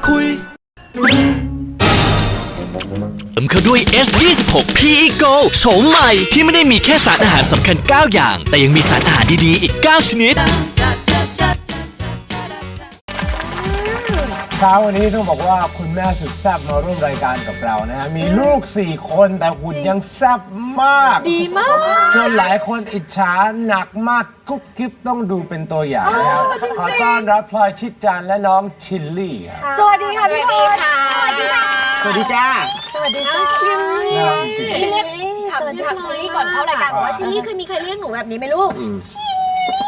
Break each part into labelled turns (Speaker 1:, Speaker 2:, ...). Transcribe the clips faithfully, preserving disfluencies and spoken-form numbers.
Speaker 1: คุยเติมเข้าด้วย เอส ยี่สิบหก พี อี โก โฉมใหม่ที่ไม่ได้มีแค่สารอาหารสำคัญเก้าอย่างแต่ยังมีสารอาหารดีๆอีกเก้าชนิด
Speaker 2: เช้าวันนี้ต้องบอกว่าคุณแม่สุดแซ่บมาร่วมรายการกับเรานะฮะมีลูกสี่คนแต่หุ่นยังแซ่บมาก
Speaker 3: ดีมาก
Speaker 2: จนหลายคนอิจฉาหนักมากกุ๊บกิ๊บต้องดูเป็นตัวอย่างนะครับขอต้อนรับพลอยชิดจันทร์และน้องชิลลี่ครับ
Speaker 3: สวัสดีค่ะพี่พลอยสวัสดีค่ะ
Speaker 2: สวัสดีจ้า
Speaker 3: สวัสดีค่ะชิลลี่ชิลลี่ถามถามชิลลี่ก่อนเข้ารายการบอกว่าชิลลี่เคยมีใครเรียกหนูแบบนี้ไหมลูกชิลลี่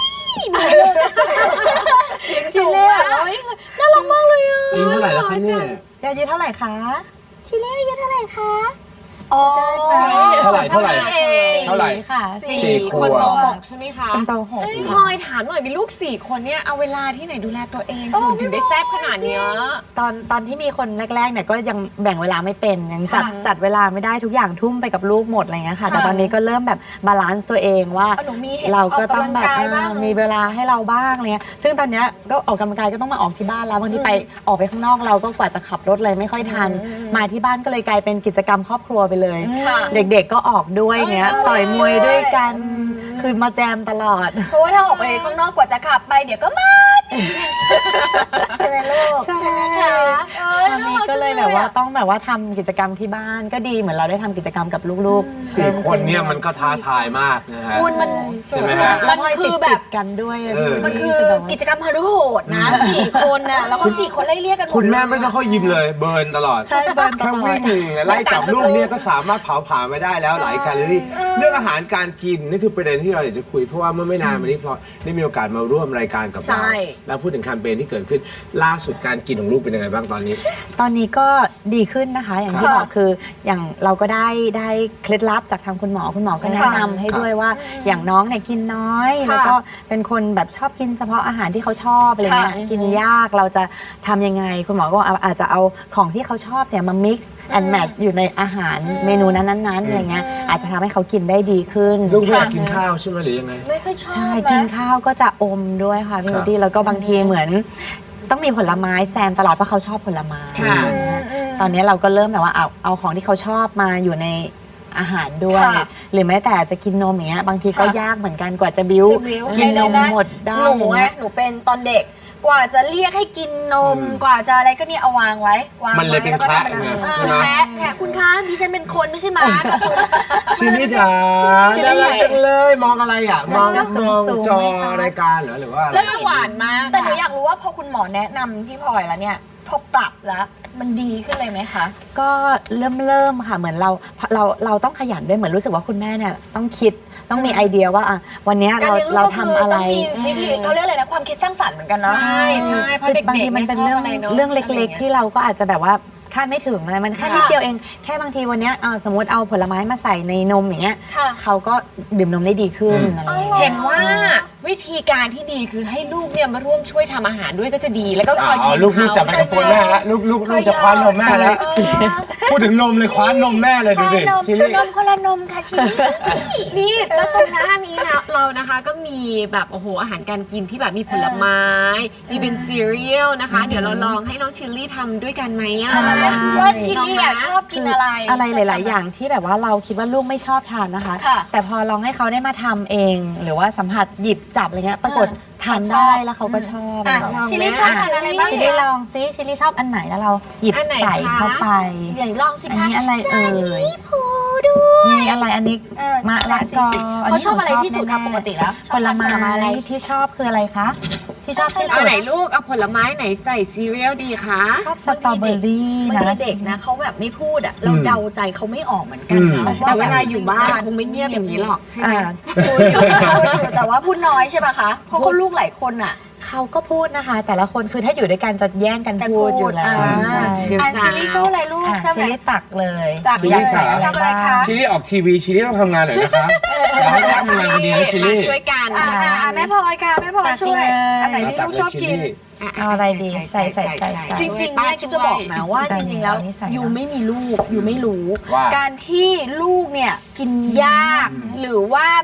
Speaker 3: ชิลลี่น่ารักมากเลยอ่ะ
Speaker 2: อายุเท่าไหร่แล้วคะเนี่ย
Speaker 3: อายุเท่าไหร่คะชิลลี่อายุเท่าไหร่คะอ๋อ
Speaker 2: เท่าไหร่เท่าไหร่เท่าไหร่
Speaker 3: ค่ะสี่
Speaker 2: คนโตหก
Speaker 3: ใช่ไหมคะคนโตหกพลอยถามหน่อยมีลูกสี่คนเนี่ยเอาเวลาที่ไหนดูแลตัวเองหุ่นถึงได้แซ่บขนาดเนี้ย
Speaker 4: ตอนตอนที่มีคนแรกๆเนี่ยก็ยังแบ่งเวลาไม่เป็นยังจัดจัดเวลาไม่ได้ทุกอย่างทุ่มไปกับลูกหมดอะไรเงี้ยค่ะแต่ตอนนี้ก็เริ่มแบบบาลานซ์ตัวเองว่าเราก็ต้องแบบมีเวลาให้เราบ้างอะไรเงี้ยซึ่งตอนเนี้ยก็ออกกำลังกายก็ต้องมาออกที่บ้านแล้วบางทีไปออกไปข้างนอกเราก็กว่าจะขับรถเลยไม่ค่อยทันมาที่บ้านก็เลยกลายเป็นกิจกรรมครอบครัวไปเลยเด็กๆก็ออกด้วยเงี้ยต่อยมวยด้วยกันคือมาแจมตลอด
Speaker 3: เพราะว่าถ้าออกไปข้างนอกกว่าจะขับไปเดี๋ยวก็มาใช่ไหมลูกใช่ไหมคะ
Speaker 4: ตอนนี้ก็เลยแบบว่าต้องแบบว่าทำกิจกรรมที่บ้านก็ดีเหมือนเราได้ทำกิจกรรมกับลูกๆ
Speaker 2: สี่คนเนี่ยมันก็ท้าทายมากนะฮะ
Speaker 3: คุณมัน
Speaker 2: ใช่ไหมฮะ
Speaker 3: มันคือแบบ
Speaker 4: กันด้วย
Speaker 3: มันคือกิจกรรมฮารุโหดนะสี่คนน่ะแล้วก็สี่คนไล่เรียกกัน
Speaker 2: คุณแม่ไม่ต้องเข้ายิมเลยเบิร์นตลอด
Speaker 4: ใช่เบิร์น
Speaker 2: แค่วิ่งไล่จับลูกเนี่ยก็สามารถเผาผลาญไปได้แล้วหลายแคลอรี่เรื่องอาหารการกินนี่คือประเด็นที่เราอยากจะคุยเพราะว่าเมื่อไม่นานมานี้พอได้มีโอกาสมาร่วมรายการกับเราแล้วพูดถึงแคมเปญที่เกิดขึ้นล่าสุดการกินของลูกเป็นยังไงบ้างตอนนี้
Speaker 4: ตอนนี้ก็ดีขึ้นนะคะอย่างที่บอกคืออย่างเราก็ได้ได้เคล็ดลับจากทางคุณหมอคุณหมอก็แนะนำให้ด้วยว่าอย่างน้องเนี่ยกินน้อยแล้วก็เป็นคนแบบชอบกินเฉพาะอาหารที่เขาชอบอะไรเงี้ยกินยากเราจะทำยังไงคุณหมอก็อาจจะเอาของที่เขาชอบเนี่ยมา mix and match อยู่ในอาหารเมนูนั้นๆอะไรเงี้ยอาจจะทำให้เขากินได้ดีขึ้น
Speaker 2: ลูกไม่อยากกินข้าวใช่ไหมหรือยังไง
Speaker 3: ไม่ค่อยชอบ
Speaker 4: ใช่กินข้าวก็จะอมด้วยค่ะพี่นุชแล้วก็บางทีเหมือนต้องมีผลไม้แซมตลอดเพราะเขาชอบผลไม้ตอนนี้เราก็เริ่มแบบว่าเอาเอาของที่เขาชอบมาอยู่ในอาหารด้วยหรือแม้แต่จะกินนมอย่างเงี้ยบางทีก็ยากเหมือนกันกว่าจะบิ้วกินนมหมดได้
Speaker 3: หนูหนูเป็นตอนเด็กกว่าจะเรียกให้กินนมกว่าจะอะไรก็เนี่ยเอาวางไว้วาง
Speaker 2: มันเลยเป็นแคระ
Speaker 3: ใช่ไหมแคระแคระคุณคะดิฉันเป็นคนไม่ใช่หมาค่ะคุณ
Speaker 2: ชิลี่จ๋าน่ารักจังเลยมองอะไรอ่ะมองมองจอรายการเหรอหรือว่า
Speaker 3: แล้วหวานมากแต่หนูอยากรู้ว่าพอคุณหมอแนะนำพี่พลอยแล้วเนี่ยพอปรับแล้วมันดีขึ้นเลยไหมคะ
Speaker 4: ก็เริ่มเริ่มค่ะเหมือนเราเราเราต้องขยันด้วยเหมือนรู้สึกว่าคุณแม่เนี่ยต้องคิดต้องมีไอเดียว่าอ่ะวันนี้เราเราทำอะไร
Speaker 3: วิธีเขาเรียกอะไรนะความคิดสร้างสรรค์เหมือนกันเนาะ
Speaker 4: ใช่ใช่เพราะเด็กๆมันเป็นเรื่องเรื่องเล็กๆที่เราก็อาจจะแบบว่าคาดไม่ถึงอะไรมันแค่นิดเดียวเองแค่บางทีวันนี้สมมติเอาผลไม้มาใส่ในนมอย่างเงี้ยเขาก็ดื่มนมได้ดีขึ้นอะไร
Speaker 3: เห็นว่าวิธีการที่ดีคือให้ลูกเนี่ยมาร่วมช่วยทำอาหารด้วยก็จะดีแล้วก็คอย
Speaker 2: ชิมลูกลูกจับไมโครโฟนแม่แล้วลูกลูกลูกจะคว้านมแม่แล้วพูดถึงนมเลยคว้านนมแม่เลยดูดิ
Speaker 3: ชิลี่นมคนละนมค่ะชิลี่นี่แล้วตรงหน้านี้นะเรานะคะก็มีแบบโอ้โหอาหารการกินที่แบบมีผลไม้ที่เป็นซีเรียลนะคะเดี๋ยวเราลองให้น้องชิลลี่ทำด้วยกันไหมอ่ะว่าชิลลี่ชอบกินอะไร
Speaker 4: อะไรหลายๆอย่างที่แบบว่าเราคิดว่าลูกไม่ชอบทานนะคะแต่พอลองให้เขาได้มาทำเองหรือว่าสัมผัสหยิบจับอะไรเงี้ยปรากฏทานได้แล้วเขาก็ชอบ
Speaker 3: ชิลลี่ชอบทานอะไรบ้าง
Speaker 4: ชิลลี่ลองซิชิลลี่ชอบอันไหนแล้วเราหยิบใส่เข้าไป
Speaker 3: เดี๋ยวลองสิคะ
Speaker 4: อันนี้อะไรเอ่ยมีอะไรอันนี้มะละกอ
Speaker 3: เขาชอบอะไรที่สุดคะปกติแล้ว
Speaker 4: ผลไม้อะไรที่ชอบคืออะไรคะที่ชอบที่สุด
Speaker 3: ไหนลูกเอาผลไม้ไหนใส่ซีเรียลดีคะ
Speaker 4: ชอบสตรอเบอรี่นะ
Speaker 3: บางทีเด็กนะเขาแบบไม่พูดอ่ะเราเดาใจเขาไม่ออกเหมือนกันแต่เวลาอยู่บ้านคงไม่เงียบอย่างนี้หรอกใช่ไหมพูดอยู่แต่ว่าพูดน้อยใช่ป่ะคะเพราะเขาลูกหลายคนอ่ะ
Speaker 4: เขาก็พูดนะคะแต่ละคนคือถ้าอยู่ด้วยกันจะแย่งกันพูดอยู่แล้ว
Speaker 3: อ่าชิลลี่โชว์อะไรลูก
Speaker 4: ชิลลี่ตักเลย
Speaker 3: ตักเลยทำอะไรคะ
Speaker 2: ชิลลี่ออกทีวีชิลลี่ต้องทำงานหน่อยนะคะอยากให้แม่ทำงานคนเดียวชิลลี่
Speaker 3: ช่วยกันแม่พลอยค่ะแม่พลอยช่วยอันไหนที่ลูกชอบกิน
Speaker 4: เอาอะไรดีใส่ใส่ใส่
Speaker 3: จริงๆเนี่ยคิดจะบอกนะว่าจริงๆแล้วยูไม่มีลูกยูไม่รู้การที่ลูกเนี่ยกินยากหรือว่าแบบ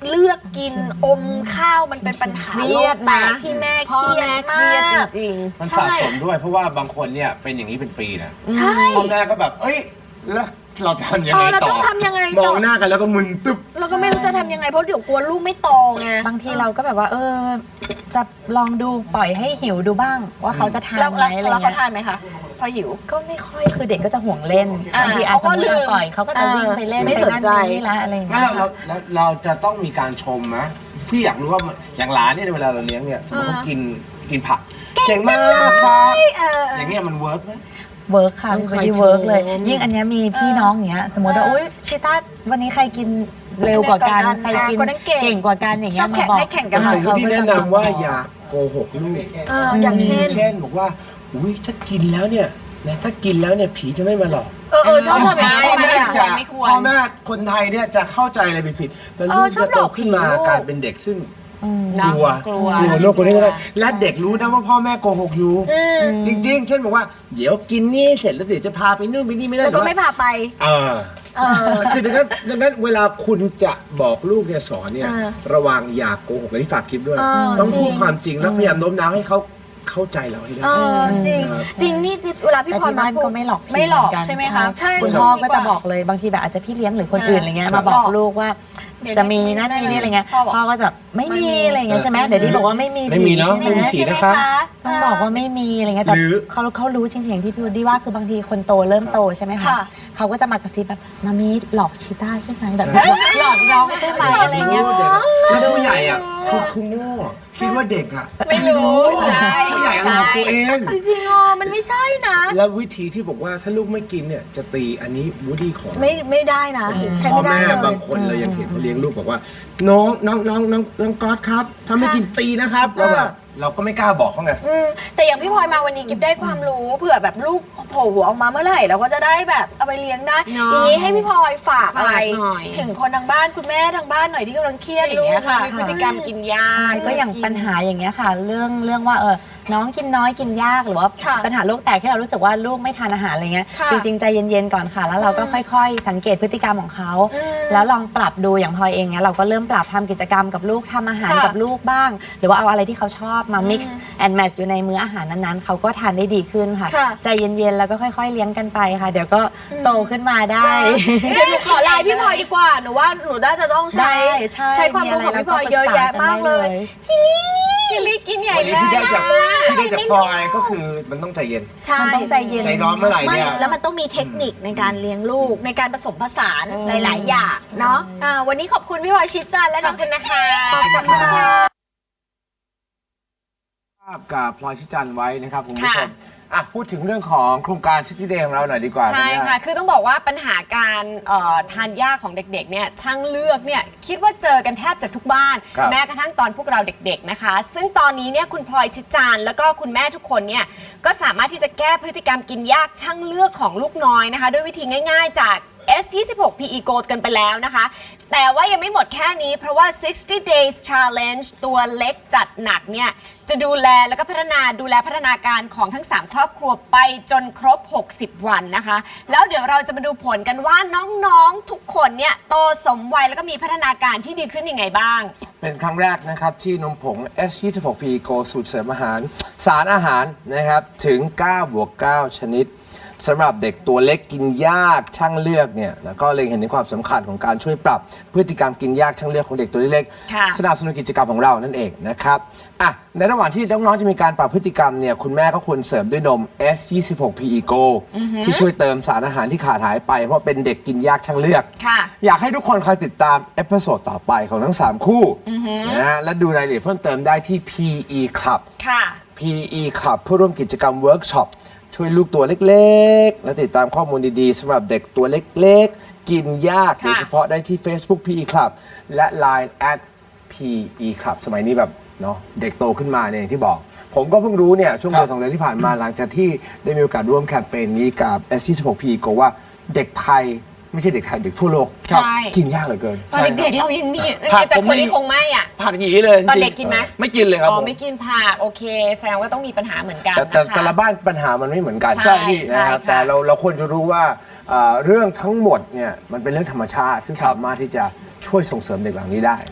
Speaker 5: เลือกกินอมข้าวมันเป็นปัญหา
Speaker 3: เครี
Speaker 5: โล
Speaker 3: ย
Speaker 5: ก
Speaker 3: ด
Speaker 5: แต
Speaker 3: นะ
Speaker 5: กที่แม่
Speaker 3: พ่อ
Speaker 5: เครียด
Speaker 3: แม่เค
Speaker 5: มา
Speaker 3: รียดจ
Speaker 5: ก
Speaker 3: ริง
Speaker 2: มันสะสมด้วยเพราะว่าบางคนเนี่ยเป็นอย่างนี้เป็นปีนะ
Speaker 5: ใช่
Speaker 2: พ่อแม่ก็แบบ เอ้ย แล้วเราทำยัง
Speaker 5: เอ
Speaker 2: ไง
Speaker 5: อเรา
Speaker 2: ต่อ
Speaker 5: ต้องทำยังไง
Speaker 2: ม
Speaker 5: ต่
Speaker 2: อ
Speaker 5: อ
Speaker 2: งหน้ากันแล้วก็มึนตึ๊บ
Speaker 5: เราก็ไม่รู้จะทำยังไงเพราะเดี๋ยวกลัวลูกไม่โตไง
Speaker 4: บางทีเราก็แบบว่า เออ จะลองดูปล่อยให้หิวดูบ้าง ว่าเขาจะทาน
Speaker 5: แล้ว
Speaker 4: ไหม
Speaker 5: แล้ว
Speaker 4: อะไร
Speaker 5: แล้วเขา
Speaker 4: เงี้ย
Speaker 5: ทานไหมคะพอหิว
Speaker 4: ก็ไม่ค่อยคือเด็กก็จะห่วงเล่น
Speaker 5: อ่า
Speaker 4: บางทีอาจ
Speaker 5: เขา
Speaker 4: จะ
Speaker 5: ก็ลื
Speaker 4: ลื
Speaker 5: ม
Speaker 4: มปล่อยเขาก็จะวิ่งไปเล่น
Speaker 5: ไม่
Speaker 4: ไป
Speaker 5: สนใจ
Speaker 4: ไปนี่ละอะไรอย่าง
Speaker 2: แล้
Speaker 4: เงี้
Speaker 2: วย เราเราเราจะต้องมีการชมไหมพี่อยากรู้ว่าอย่างหลานเนี่ยเวลาเราเลี้ยงเนี่ยสมมติเขากินกินผักเก่งมากครับ
Speaker 5: เออ
Speaker 2: อย่างเงี้ยมันเวิร์กไหม
Speaker 4: เวิร์กค่ะ
Speaker 3: ต้องคอย
Speaker 4: ไม่ได้เวิร์กเลย
Speaker 3: ชม
Speaker 4: ยิ่งอันเนี้ยมีพี่น้องอย่างเงี้ยสมมติว่า
Speaker 5: เออ
Speaker 4: อุ้ยชิต้าวันนี้ใครกินเร็วกว่ากัน
Speaker 5: เร็วกว่ากัน
Speaker 4: ใครกิน
Speaker 5: คนนั้นเก่ง
Speaker 4: เก่งกว่ากันอย่าง
Speaker 5: ช
Speaker 4: เงี้
Speaker 5: อย บ
Speaker 4: มา
Speaker 5: แข่ง
Speaker 4: บอก
Speaker 5: ให้แข่งกัน
Speaker 2: แต่
Speaker 5: หน่อย
Speaker 2: ที่แนะนำว่าอย่าโกหกลูก
Speaker 5: เอออย่างเช่น
Speaker 2: เช่นบอกว่าอุ้ยถ้ากินแล้วเนี่ยนะถ้ากินแล้วเนี่ยผีจะไม่มาหลอก
Speaker 5: เออเออชอบทำอย่าง
Speaker 2: พ่อ
Speaker 5: นี้
Speaker 2: แม่
Speaker 5: อ่ะ
Speaker 2: จะ
Speaker 3: ไม่ควร
Speaker 2: พ่อแม่คนไทยเนี่ยจะเข้าใจอะไรผิดๆแต่
Speaker 5: เอ
Speaker 2: ลู
Speaker 5: อก ชอบ
Speaker 2: จะโต
Speaker 5: หลอก
Speaker 2: ขึ้นมา
Speaker 5: ผีลูก
Speaker 2: กลายเป็นเด็กซึ่ง
Speaker 4: อืม
Speaker 2: กลัว
Speaker 3: กลัว
Speaker 2: กลัวโลกกลัวนี่ก็ได้และเด็กรู้นะว่าพ่อแม่โกหกอยู่
Speaker 5: อืม
Speaker 2: จริง ๆ เช่นบอกว่าเดี๋ยวกินนี่เสร็จแล้วเดี๋ยวจะพาไปนู่นไปนี่ไม่ได้
Speaker 5: แล้วก็ไม่พาไป
Speaker 2: เออ
Speaker 5: เออ
Speaker 2: คือดังนั้นดังนั้นเวลาคุณจะบอกลูกเนี่ยสอนเนี่ย
Speaker 5: เออ
Speaker 2: ระวังอย่าโกหกอันนี้ฝากคลิปด้วย
Speaker 5: เออ
Speaker 2: ต้องพูด
Speaker 5: จริง
Speaker 2: ความจริงแล้วพยายามโน้มน้าวให้เขาเข้าใจเราให้ได้
Speaker 5: เออจริง
Speaker 2: ครับ
Speaker 5: จริงนี่เวลาพี่
Speaker 4: แต่
Speaker 5: พร
Speaker 4: ที่บ้าน
Speaker 5: พูด
Speaker 4: ก็ไม่หลอก
Speaker 5: ไม่หลอก
Speaker 4: เนน
Speaker 5: ใช่ไหมคะ
Speaker 4: ใช่คุณพ่อก็จะบอกเลยบางทีแบบอาจจะพี่เลี้ยงหรือคนอื่นอะไรเงี้ยมาบอกลูกว่า
Speaker 5: เดี๋ยว
Speaker 4: จะมีนั่นมีนี่อะไรเงี้ย
Speaker 5: พ่อบอก
Speaker 4: พ่อก็จะไม่มีอะไรเงี้ยใช่ไหมเดี๋ยวที่บอกว่าไม่มี
Speaker 2: ไม่มีเนอะ
Speaker 4: ใช่ไห
Speaker 2: ไม่มีผีนะคะ
Speaker 4: ต้องบอกว่าไม่มีอะไรเงี้ยแต่
Speaker 2: หรือ
Speaker 4: เขาเขารู้จริงๆที่พี่วูดดี้ว่าคือบางทีคนโตเริ่มโตใช่ไหมคะ
Speaker 5: ค่ะ
Speaker 4: เขาก็จะมากระซิบแบบมามีหลอกชิต้าใช่ไหมแบบ
Speaker 2: ใช่
Speaker 4: หลอกน้องใช่ไหมอะไรเงี้ย
Speaker 2: แล้วผู้ใหญ่อ่ะคือคือโง่คิดว่าเด็กอ่ะ
Speaker 3: ไม่รู้
Speaker 2: ผู้ใหญ่อะหลอกตัวเอง
Speaker 5: จริงๆอ๋อมันไม่ใช่นะ
Speaker 2: แล้ววิธีที่บอกว่าถ้าลูกไม่กินเนี่ยจะตีอันนี้วูดดี้ขอ
Speaker 5: ไม่ไม่ได้นะ ใช้
Speaker 2: พ่อ
Speaker 5: ไม่ได้
Speaker 2: แม่
Speaker 5: เลย
Speaker 2: บางคนเรายังเห็นเขาเลี้ยงลูกบอกว่า น้องน้องน้องน้องน้องก๊อตครับถ้าไม่กินตีนะครับเราแบบเราก็ไม่กล้าบอกเขาไง
Speaker 5: อืมแต่อย่างพี่พลอยมาวันนี้กิฟได้ความรู้เผื่อแบบลูกโผล่หัวออกมาเมื่อไหร่เราก็จะได้แบบเอาไปเลี้ยงได้
Speaker 3: เนาะ
Speaker 5: อย่างนี้ให้พี่พลอยฝากอะไร
Speaker 3: ฝากหน่อย
Speaker 5: ถึงคนทางบ้านคุณแม่ทางบ้านหน่อยที่กำลังเครียดอย่างเงี้ยค่ะ
Speaker 3: มีพฤติกรรมกินยา
Speaker 4: ใช่ก็อย่างปัญหาอย่างเงี้ยค่ะ เรื่องเรื่องว่าเออน้องกินน้อยกินยากหรือว่า
Speaker 5: ค่ะ
Speaker 4: ปัญหาโรคแตกที่เรารู้สึกว่าลูกไม่ทานอาหารอะไรเงี้ย
Speaker 5: ค่ะ
Speaker 4: จริงๆใจเย็นๆก่อนค่ะ แล้วเราก็ค่อยๆ สังเกตพฤติกรรมของเขา
Speaker 5: อืม
Speaker 4: แล้วลองปรับดูอย่างพลอยเองเนี้ยเราก็เริ่มปรับทำกิจกรรมกับลูกทำอาหาร
Speaker 5: ค่ะ
Speaker 4: กับลูกบ้าง หรือว่าเอาอะไรที่เขาชอบมา mix
Speaker 5: อืม
Speaker 4: and match อยู่ในมื้ออาหารนั้นๆเขาก็ทานได้ดีขึ้นค่ะ
Speaker 5: ค่ะ
Speaker 4: ใจเย็นๆแล้วก็ค่อย ๆเลี้ยงกันไปค่ะ เดี๋ยวก็โตขึ้นมาได้
Speaker 5: เดี๋ยวหนูขอไลน์พี่พลอยดีกว่าหนูว่าหนูน่าจะต้องใช้
Speaker 4: ได้ใช่
Speaker 5: ความรู้ของพี่พลอยเยอะแยะมากเลย
Speaker 4: มีอะไรเราก็ปรึกษากันได้เลย
Speaker 5: จริงนี่
Speaker 3: ชิลลี่กินใหญ่
Speaker 2: วันนี้
Speaker 3: เล
Speaker 2: ที่
Speaker 3: ย
Speaker 2: ได้จากที่ได้จากพลอยก็คือมันต้องใจเย็น
Speaker 5: ใช่
Speaker 4: มันต้องใจเย็น
Speaker 2: ใจร้อนเมื่อไหร่
Speaker 5: ไม่
Speaker 2: เนี่ย
Speaker 5: แล้วมันต้องมีเทคนิคในการเลี้ยงลูกในการผสมผสานหลาย ๆ อย่างเนาะอ่าวันนี้ขอบคุณพี่พลอยชิดจันทร์และน้องคุณนะคะขอบคุณค่ะ
Speaker 2: ภาพกับพลอยชิจันทร์ไว้นะครับคุณผู้ช
Speaker 3: ค่ะ
Speaker 2: มอ่ะพูดถึงเรื่องของโครงการ City Day ของเราหน่อยดีกว่า
Speaker 3: ใช่
Speaker 2: ธัญญา
Speaker 3: ค่ะ คือต้องบอกว่าปัญหาการเอ่อทานยากของเด็กๆ เนี่ย ช่างเลือกเนี่ย คิดว่าเจอกันแทบจะทุกบ้าน
Speaker 2: ครับ
Speaker 3: แม้กระทั่งตอนพวกเราเด็กๆ นะคะ ซึ่งตอนนี้เนี่ยคุณพลอยชิดจานแล้วก็คุณแม่ทุกคนเนี่ย ก็สามารถที่จะแก้พฤติกรรมกินยากช่างเลือกของลูกน้อยนะคะ ด้วยวิธีง่ายๆ จาก เอส ยี่สิบหก พี อี Gold กันไปแล้วนะคะ แต่ว่ายังไม่หมดแค่นี้เพราะว่า sixty days challenge ตัวเล็กจัดหนักเนี่ย จะดูแลแล้วก็พัฒนาดูแลพัฒนาการของทั้ง สาม ครอบครัวไปจนครบ หกสิบ วันนะคะ แล้วเดี๋ยวเราจะมาดูผลกันว่าน้องๆทุกคนเนี่ยโตสมวัยแล้วก็มีพัฒนาการที่ดีขึ้นยังไงบ้าง
Speaker 2: เป็นครั้งแรกนะครับที่นมผง เอส ยี่สิบหก พี Go สูตรเสริมอาหาร สารอาหารนะครับถึง เก้าบวกเก้า ชนิดสำหรับเด็กตัวเล็กกินยากช่างเลือกเนี่ยแล้วก็เล็งเห็นถึงความสำคัญของการช่วยปรับพฤติกรรมกินยากช่างเลือกของเด็กตัวเล็ก
Speaker 3: ค่ะ
Speaker 2: ๆสนับสนุนกิจกรรมของเรานั่นเองนะครับอ่ะในระหว่างที่น้องๆจะมีการปรับพฤติกรรมเนี่ยคุณแม่ก็ควรเสริมด้วยนม เอส ยี่สิบหก พี อี Go ที่ช่วยเติมสารอาหารที่ขาดหายไปเพราะเป็นเด็กกินยากช่างเลือก
Speaker 3: ค่ะ
Speaker 2: อยากให้ทุกคนคอยติดตามเอพิโซดต่อไปของทั้งสามคู่นะฮะและดูรายละเอียดเพิ่มเติมได้ที่ พี อี Club
Speaker 3: ค่ะ
Speaker 2: พี อี Club เพื่อร่วมกิจกรรมเวิร์กช็อปช่วยลูกตัวเล็กๆ และติดตามข้อมูลดีๆสำหรับเด็กตัวเล็กๆ กินยาก
Speaker 3: ค่ะ
Speaker 2: โดยเฉพาะได้ที่ Facebook พี อี Club และ ไลน์ แอท พี อี Club สมัยนี้แบบเนาะเด็กโตขึ้นมาเนี่ยอย่างที่บอก ผมก็เพิ่งรู้เนี่ยช่วงเดือนสองเดือนที่ผ่านมาหลังจากที่ได้มีโอกาสร่วมแคมเปญนี้กับ เอส ยี่สิบหก พี อี Go ว่าเด็กไทยไม่ใช่เด็กไทยเด็กทั่วโลก
Speaker 3: ใช่
Speaker 2: กินยากเหลือเกิน
Speaker 3: ตอนเด็กๆเรายังมี
Speaker 6: ผัก
Speaker 3: แต่
Speaker 6: ผม
Speaker 3: คน
Speaker 6: มี
Speaker 3: นี้คงไม่อ่ะ
Speaker 6: ผักหยีเลย
Speaker 3: ตอน
Speaker 6: จริง
Speaker 3: เด็กกินไหม
Speaker 6: ไม่กินเลยครับ
Speaker 3: อ๋อ
Speaker 6: ผม
Speaker 3: ไม่กินผักโอเค แสดงว่าต้องมีปัญหาเหมือนกัน
Speaker 2: แต่แต่
Speaker 3: นะคะ
Speaker 2: แต่ละบ้านปัญหามันไม่เหมือนกัน
Speaker 3: ใช่พี่
Speaker 2: นะครับ
Speaker 3: ใช่ค่ะ
Speaker 2: แต่เราเราควรจะรู้ว่าเอ่อเรื่องทั้งหมดเนี่ยมันเป็นเรื่องธรรมชาติ ซึ่งสามารถที่จะช่วยส่งเสริมเด็กเหล่านี้ได้